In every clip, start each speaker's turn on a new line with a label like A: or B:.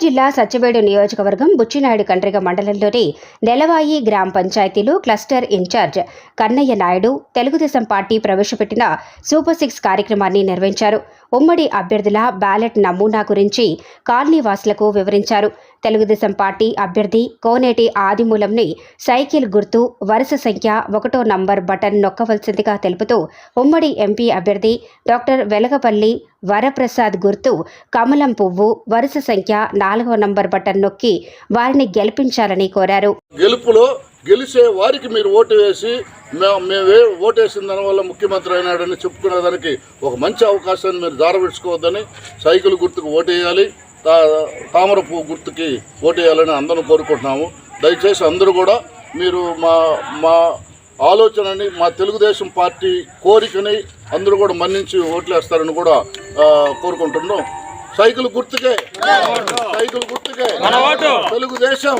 A: జిల్లా సత్యవేడు నియోజకవర్గం బుచ్చినాయుడు కండ్రిగ మండలంలోని నెలవాయి గ్రామ పంచాయతీలో cluster incharge Kannaiah Naidu Telugu Desam party ప్రవేశపెట్టిన సూపర్ 6 కార్యక్రమాన్ని నిర్వహించారు. ఉమ్మడి అభ్యర్థుల బ్యాలెట్ నమూనా గురించి కాలనీవాసులకు వివరించారు. తెలుగుదేశం పార్టీ అభ్యర్థి కోనేటి ఆదిమూలంని సైకిల్ గుర్తు వరుస సంఖ్య 1వ నంబర్ బటన్ నొక్కవలసిందిగా తెలుపుతూ ఉమ్మడి ఎంపీ అభ్యర్థి డాక్టర్ వెలగపల్లి వరప్రసాద్ గుర్తు కమలం పువ్వు వరుస సంఖ్య 4వ నంబర్ బటన్ నొక్కి వారిని గెలిపించాలని కోరారు.
B: గెలిచే వారికి మీరు ఓటు వేసి మేము ఓటేసిన దానివల్ల ముఖ్యమంత్రి అయినాడని చెప్పుకునేదానికి ఒక మంచి అవకాశాన్ని మీరు జారవిడ్చుకోవద్దని, సైకిల్ గుర్తుకు ఓటేయాలి, తామర పువ్వు గుర్తుకి ఓటేయాలని అందరం కోరుకుంటున్నాము. దయచేసి అందరూ కూడా మీరు మా ఆలోచనని, మా తెలుగుదేశం పార్టీ కోరికని అందరూ కూడా మన్నించి ఓట్లేస్తారని కూడా కోరుకుంటున్నాం. సైకిల్ గుర్తుకే తెలుగుదేశం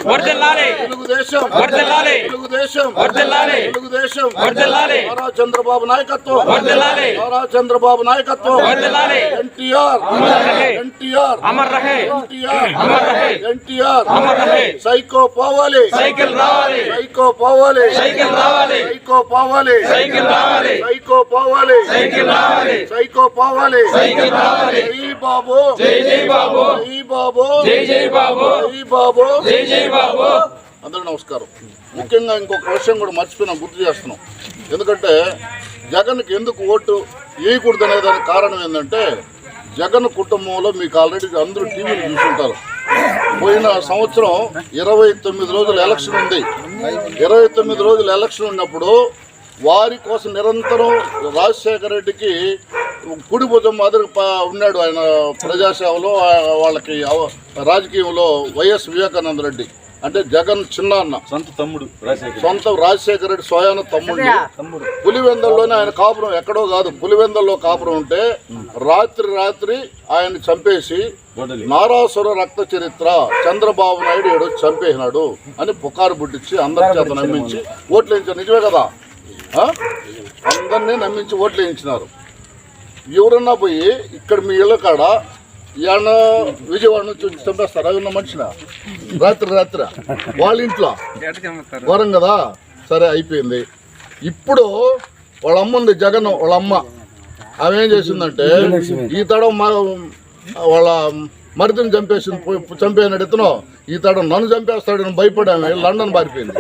B: నారా చంద్రబాబు నాయకత్వం ఎన్టీఆర్ సైకో పోవాలి అందరూ నమస్కారం. ముఖ్యంగా ఇంకొక విషయం కూడా మర్చిపోయినా గుర్తు చేస్తున్నాం. ఎందుకంటే జగన్కి ఎందుకు ఓటు వేయకూడదు అనే దానికి కారణం ఏంటంటే, జగన్ కుటుంబంలో మీకు ఆల్రెడీ అందరూ టీవీలు చూసుంటారు. పోయిన సంవత్సరం 29 రోజులు ఎలక్షన్ ఉంది. 29 రోజులు ఎలక్షన్ ఉన్నప్పుడు వారి కోసం నిరంతరం రాజశేఖర రెడ్డికి కుడి భుజం మాదిరి ఉన్నాడు. ఆయన ప్రజాసేవలో వాళ్ళకి రాజకీయంలో వైఎస్ వివేకానంద రెడ్డి అంటే జగన్ చిన్న అన్న, సొంత రాజశేఖర రెడ్డి స్వయాన తమ్ముడు. పులివెందల్లోనే ఆయన కాపురం, ఎక్కడో కాదు, పులివెందల్లో కాపురం ఉంటే రాత్రి ఆయన చంపేసి నారాసుర రక్త చరిత్ర చంద్రబాబు నాయుడు ఏడో చంపేసినాడు అని పుకారు పుట్టించి అందరి చేత నమ్మించి ఓట్లు వేయించారు. నిజమే కదా, అందరినీ నమ్మించి ఓట్లు వేయించినారు. ఎవరన్నా పోయి ఇక్కడ మీ ఇళ్ళ కాడ ఏమన్న విజయవాడ నుంచి చంపేస్తారు. అవి ఉన్న మనిషిన రాత్రి వాళ్ళ ఇంట్లో ఘోరం కదా. సరే అయిపోయింది. ఇప్పుడు వాళ్ళ అమ్మ ఉంది, జగన్ వాళ్ళ అమ్మ, ఆమె ఏం చేసిందంటే ఈ తడం వాళ్ళ మరిదిని చంపేసినాడు ఇతను, ఈ తడం నన్ను చంపేస్తాడని భయపడాము లండన్ పారిపోయింది.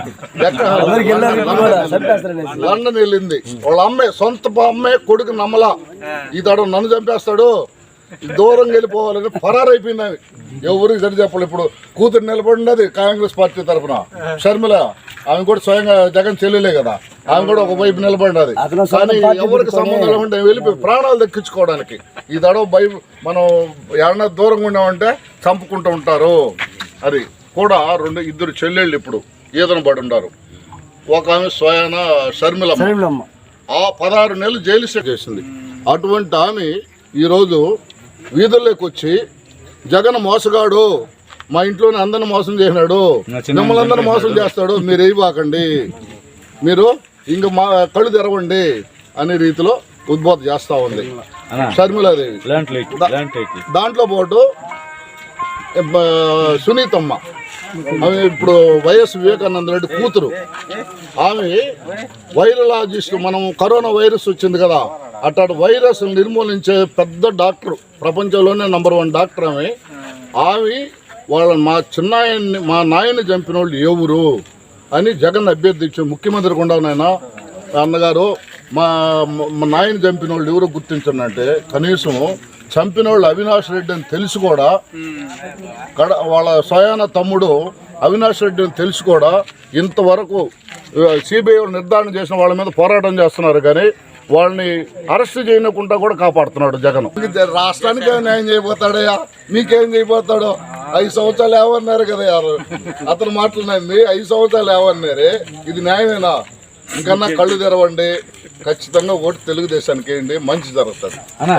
B: లండన్ వెళ్ళింది. వాళ్ళ అమ్మే, సొంత అమ్మే కొడుకు నమ్మలా, ఈ తడం నన్ను చంపేస్తాడు, దూరం వెళ్ళిపోవాలని ఫరారైపోయింది. ఆమె ఎవరికి సరి చెప్పాలి. ఇప్పుడు కూతురు నిలబడినది కాంగ్రెస్ పార్టీ తరఫున షర్మిల, ఆమె కూడా స్వయంగా జగన్ చెల్లెలే కదా, ఆమె కూడా ఒకవైపు నిలబడినది. కానీ ఎవరికి సంబంధం లేకుండా వెళ్ళిపోయి ప్రాణాలు దక్కించుకోవడానికి ఈ తడవ మనం ఏమన్నా దూరంగా ఉన్నామంటే చంపుకుంటూ ఉంటారు. అది కూడా ఇద్దరు చెల్లెళ్ళు ఇప్పుడు ఈదన పడి ఉన్నారు. ఒక ఆమె స్వయాన షర్మిల 16 నెలలు జైలు శిక్ష చేసింది. అటువంటి ఆమె ఈరోజు వీధుల్లోకి వచ్చి జగన్ మోసగాడు, మా ఇంట్లోనే అందరిని మోసం చేసినాడు, మిమ్మల్ని అందరిని మోసం చేస్తాడు, మీరు వేయబాకండి, మీరు ఇంక మా కళ్ళు తెరవండి అనే రీతిలో ఉద్బోధ చేస్తూ ఉంది షర్మిలాదేవి. దాంట్లో పాటు సునీతమ్మ, ఆమె ఇప్పుడు వైఎస్ వివేకానంద రెడ్డి కూతురు, ఆమె వైరలాజిస్ట్. మనం కరోనా వైరస్ వచ్చింది కదా, అట్లాంటి వైరస్ నిర్మూలించే పెద్ద డాక్టర్, ప్రపంచంలోనే నంబర్ 1 డాక్టర్ ఆమె. మా నాయన్ని చంపిన వాళ్ళు ఎవరు అని జగన్ అభ్యర్థించి ముఖ్యమంత్రి కొండనైనా అన్నగారు మా నాయన్ని చంపిన వాళ్ళు ఎవరు గుర్తించండి అంటే, కనీసం చంపిన వాళ్ళు అవినాష్ రెడ్డి అని తెలిసి కూడా, వాళ్ళ స్వయాన తమ్ముడు అవినాష్ రెడ్డి అని తెలిసి కూడా ఇంతవరకు సిబిఐ నిర్ధారణ చేసిన వాళ్ళ మీద పోరాటం చేస్తున్నారు. కానీ వాళ్ళని అరెస్ట్ చేయకుండా కూడా కాపాడుతున్నాడు జగన్. రాష్ట్రానికి న్యాయం చేయబోతాడయ్యా, మీకేం చేయబోతాడో. 5 సంవత్సరాలు ఏమన్నారు కదా యారు, అతను మాట్లాడింది 5 సంవత్సరాలు ఏమన్నారే, ఇది న్యాయమేనా? ఇంకన్నా కళ్ళు తెరవండి, ఖచ్చితంగా ఓటు తెలుగుదేశానికి వేయండి, మంచి జరుగుతుంది.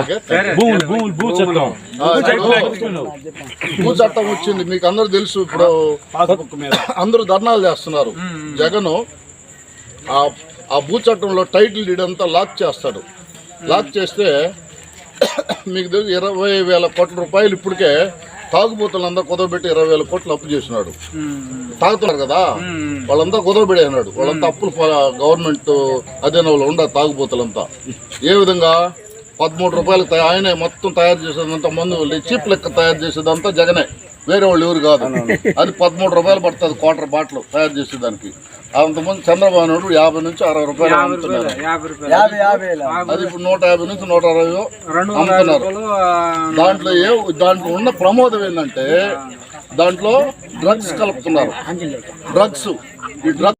B: భూ చట్టం వచ్చింది, మీకు అందరూ తెలుసు. ఇప్పుడు అందరూ ధర్నాలు చేస్తున్నారు. జగన్ ఆ భూ చట్టంలో టైటిల్ డీడ్ అంతా లాక్ చేస్తాడు. లాక్ చేస్తే మీకు తెలుసు 20,000 కోట్ల రూపాయలు ఇప్పటికే తాగుబోతులంతా కుదవబెట్టి 20,000 కోట్లు అప్పు చేసినాడు. తాగుతున్నారు కదా వాళ్ళంతా కుదవబెట్టేసినాడు. వాళ్ళంతా అప్పులు గవర్నమెంట్ అధీనంలో ఉండ తాగుబోతులంతా. ఏ విధంగా 13 రూపాయలకు ఆయనే మొత్తం తయారు చేసేదంతా మందు చీప్ లెక్క తయారు చేసేదంతా జగనే, వేరే వాళ్ళు ఎవరు కాదు. అది 13 రూపాయలు పడుతుంది క్వార్టర్ బాటిల్ తయారు చేసేదానికి. అంతమంది చంద్రబాబు నాయుడు 50 నుంచి 60 రూపాయలు అమ్ముతున్నారు. అది ఇప్పుడు 150 నుంచి 160 అమ్ముతున్నారు. దాంట్లో ఉన్న ప్రమోదం ఏంటంటే దాంట్లో డ్రగ్స్ కలుపుతున్నారు. డ్రగ్స్